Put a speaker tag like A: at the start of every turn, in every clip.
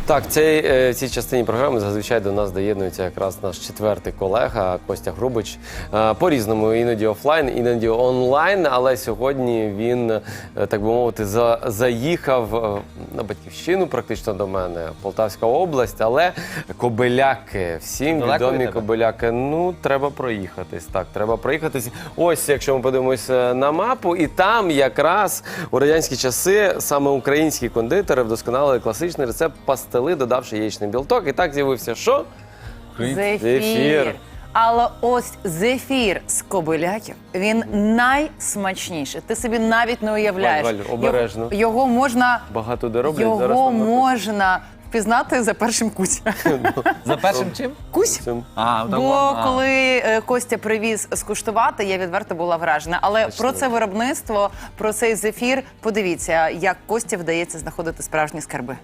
A: Так, в цій частині програми зазвичай до нас доєднується якраз наш четвертий колега Костя Грубич. По-різному, іноді офлайн, іноді онлайн, але сьогодні він, так би мовити, заїхав на Батьківщину практично до мене, Полтавська область, але Кобиляки, всім відомі Кобиляки. Ну, треба проїхатись, так, треба проїхатись. Ось, якщо ми подивимось на мапу, і там якраз у радянські часи саме українські кондитери вдосконалили класичний рецепт пастили, додавши яєчний білок. І так з'явився що?
B: Зефір. Але ось зефір з Кобиляків, він найсмачніший. Ти собі навіть не уявляєш.
A: Валь, обережно.
B: Його можна...
A: Багато де роблять.
B: Його можна впізнати за першим кусь.
C: За першим чим?
B: Кусь. Бо коли Костя привіз скуштувати, я відверто була вражена. Але про це виробництво, про цей зефір, подивіться, як Кості вдається знаходити справжні скарби.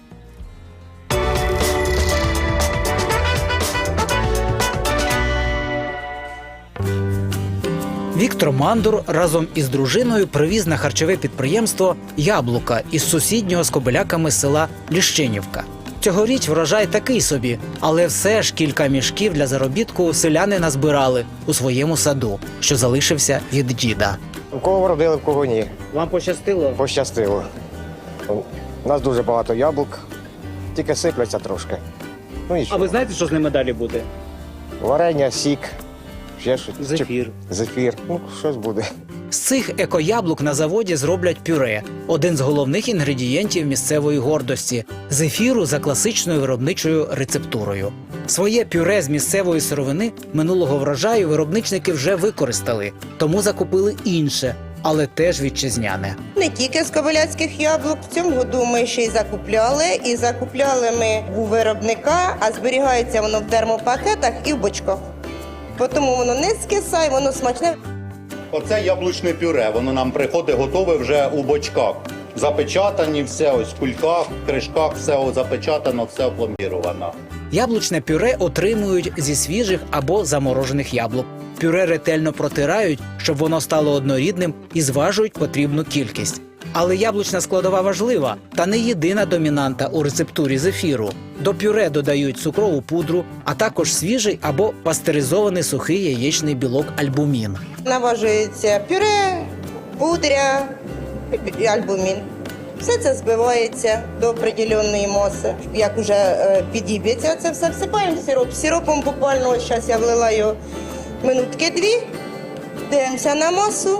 D: Віктор Мандур разом із дружиною привіз на харчове підприємство яблука із сусіднього з Кобиляками села Ліщинівка. Цьогоріч врожай такий собі, але все ж кілька мішків для заробітку селяни назбирали у своєму саду, що залишився від діда.
E: У кого вродили, в кого ні.
D: Вам пощастило?
E: Пощастило. У нас дуже багато яблук, тільки сипляться трошки. Ну,
F: А ви знаєте, що з ними далі буде?
E: варення, сік, ще щось.
F: Зефір.
E: Зефір. Ну, щось буде.
D: З цих екояблук на заводі зроблять пюре – один з головних інгредієнтів місцевої гордості – зефіру за класичною виробничою рецептурою. Своє пюре з місцевої сировини минулого врожаю виробничники вже використали, тому закупили інше, але теж вітчизняне.
G: Не тільки з кобиляцьких яблук. В цьому году ми ще й закупляли. І закупляли ми у виробника, а зберігається воно в термопакетах і в бочках. Тому воно не скисає, воно смачне.
H: Оце яблучне пюре, воно нам приходить готове вже у бочках. Запечатані, все ось в кульках, в кришках, все запечатано, все опломбіровано.
D: Яблучне пюре отримують зі свіжих або заморожених яблук. Пюре ретельно протирають, щоб воно стало однорідним, і зважують потрібну кількість. Але яблучна складова важлива та не єдина домінанта у рецептурі зефіру. До пюре додають цукрову пудру, а також свіжий або пастеризований сухий яєчний білок альбумін.
G: Наважується пюре, пудря, альбумін. Все це збивається до определеної маси. Як вже підіб'ється, це все всипаємо в сироп. Сиропом буквально, ось зараз я влила його минутки 2, дивимося на масу,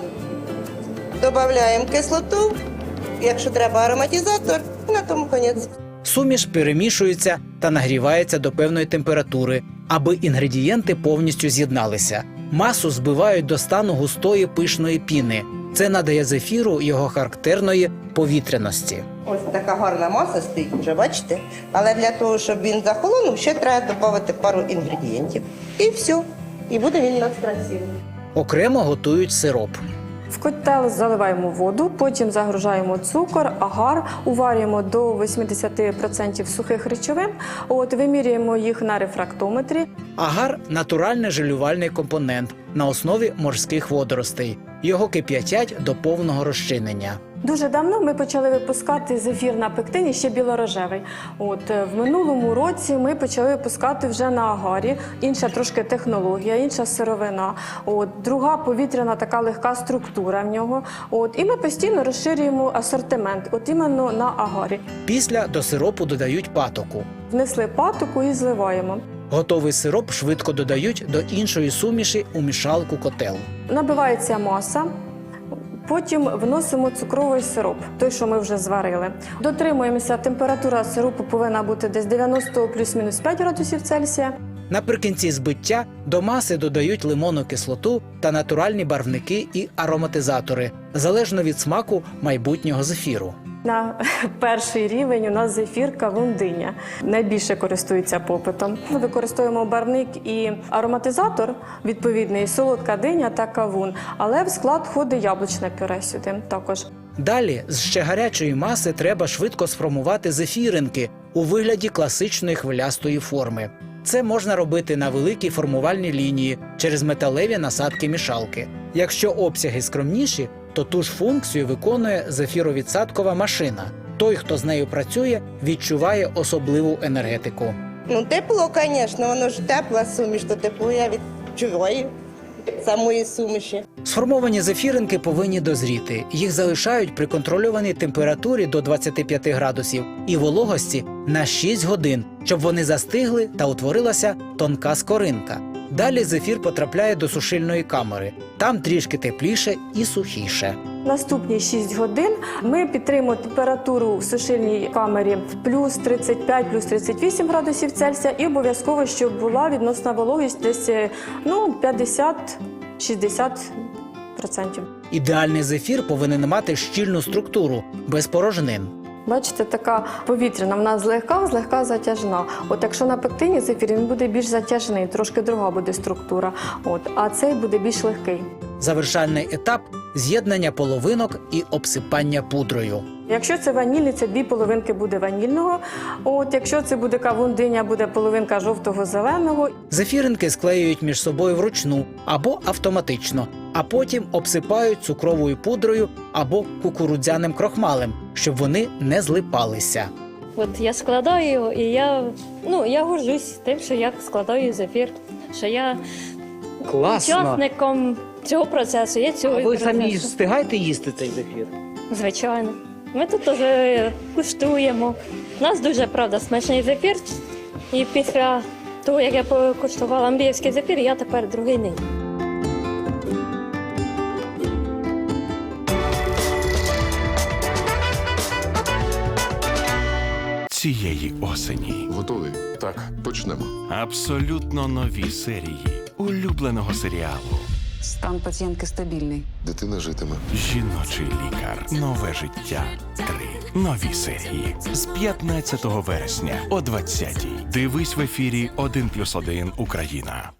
G: додаємо кислоту, якщо треба ароматизатор, і на тому кінець.
D: Суміш перемішується та нагрівається до певної температури, аби інгредієнти повністю з'єдналися. Масу збивають до стану густої пишної піни. Це надає зефіру його характерної повітряності.
G: Ось така гарна маса стоїть, вже бачите. Але для того, щоб він захолонув, ще треба додати пару інгредієнтів. І все. І буде він у нас красивий.
D: Окремо готують сироп.
I: В котел заливаємо воду, потім загружаємо цукор, агар, уварюємо до 80% сухих речовин, вимірюємо їх на рефрактометрі.
D: Агар – натуральний желювальний компонент на основі морських водоростей. Його кип'ятять до повного розчинення.
I: Дуже давно ми почали випускати зефір на пектині, ще білорожевий. В минулому році ми почали випускати вже на агарі. Інша трошки технологія, інша сировина. Друга повітряна така легка структура в нього. І ми постійно розширюємо асортимент, іменно на агарі.
D: Після до сиропу додають патоку.
I: Внесли патоку і зливаємо.
D: Готовий сироп швидко додають до іншої суміші у мішалку котел.
I: Набивається маса. Потім вносимо цукровий сироп, той, що ми вже зварили. Дотримуємося, температура сиропу повинна бути десь 90 плюс-мінус 5 градусів Цельсія.
D: Наприкінці збиття до маси додають лимонну кислоту та натуральні барвники і ароматизатори, залежно від смаку майбутнього зефіру.
I: На перший рівень у нас зефір кавун-диня. Найбільше користується попитом. Ми використовуємо барвник і ароматизатор, відповідний, солодка диня та кавун. Але в склад входить яблучне пюре сюди також.
D: Далі з ще гарячої маси треба швидко сформувати зефіринки у вигляді класичної хвилястої форми. Це можна робити на великій формувальній лінії через металеві насадки мішалки. Якщо обсяги скромніші, то ту ж функцію виконує зефіровідсадкова машина. Той, хто з нею працює, відчуває особливу енергетику.
G: Ну, тепло, звісно, воно ж тепла суміш, то тепло я відчуваю самої суміші.
D: Сформовані зефіринки повинні дозріти. Їх залишають при контрольованій температурі до 25 градусів і вологості на 6 годин, щоб вони застигли та утворилася тонка скоринка. Далі зефір потрапляє до сушильної камери. Там трішки тепліше і сухіше.
I: Наступні 6 годин ми підтримуємо температуру в сушильній камері в плюс 35, плюс 38 градусів Цельсія і обов'язково, щоб була відносна вологість десь 50-60%.
D: Ідеальний зефір повинен мати щільну структуру, без порожнин.
I: Бачите, така повітряна, вона злегка затяжна. От якщо на пектині зефір, він буде більш затяжний, трошки друга буде структура. А цей буде більш легкий.
D: Завершальний етап – з'єднання половинок і обсипання пудрою.
I: Якщо це ванільний, це 2 половинки буде ванільного. Якщо це буде кавун-диня, буде половинка жовтого-зеленого.
D: Зефіринки склеюють між собою вручну або автоматично, а потім обсипають цукровою пудрою або кукурудзяним крохмалем, щоб вони не злипалися.
C: От я складаю, і я горжусь тим, що я складаю зефір, що я учасником цього процесу. Я цього процесу.
D: встигаєте їсти цей зефір?
C: Звичайно. Ми тут вже куштуємо. У нас дуже, правда, смачний зефір. І після того, як я покуштувала Андріївський зефір, я тепер другий не їм.
F: Цієї осені
J: Готовий? Так, почнемо.
F: абсолютно нові серії улюбленого серіалу
K: Стан пацієнтки стабільний.
J: Дитина житиме.
F: «Жіночий лікар. Нове життя. 3». Нові серії з 15 вересня о 20-й. Дивись в ефірі 1+1 Україна.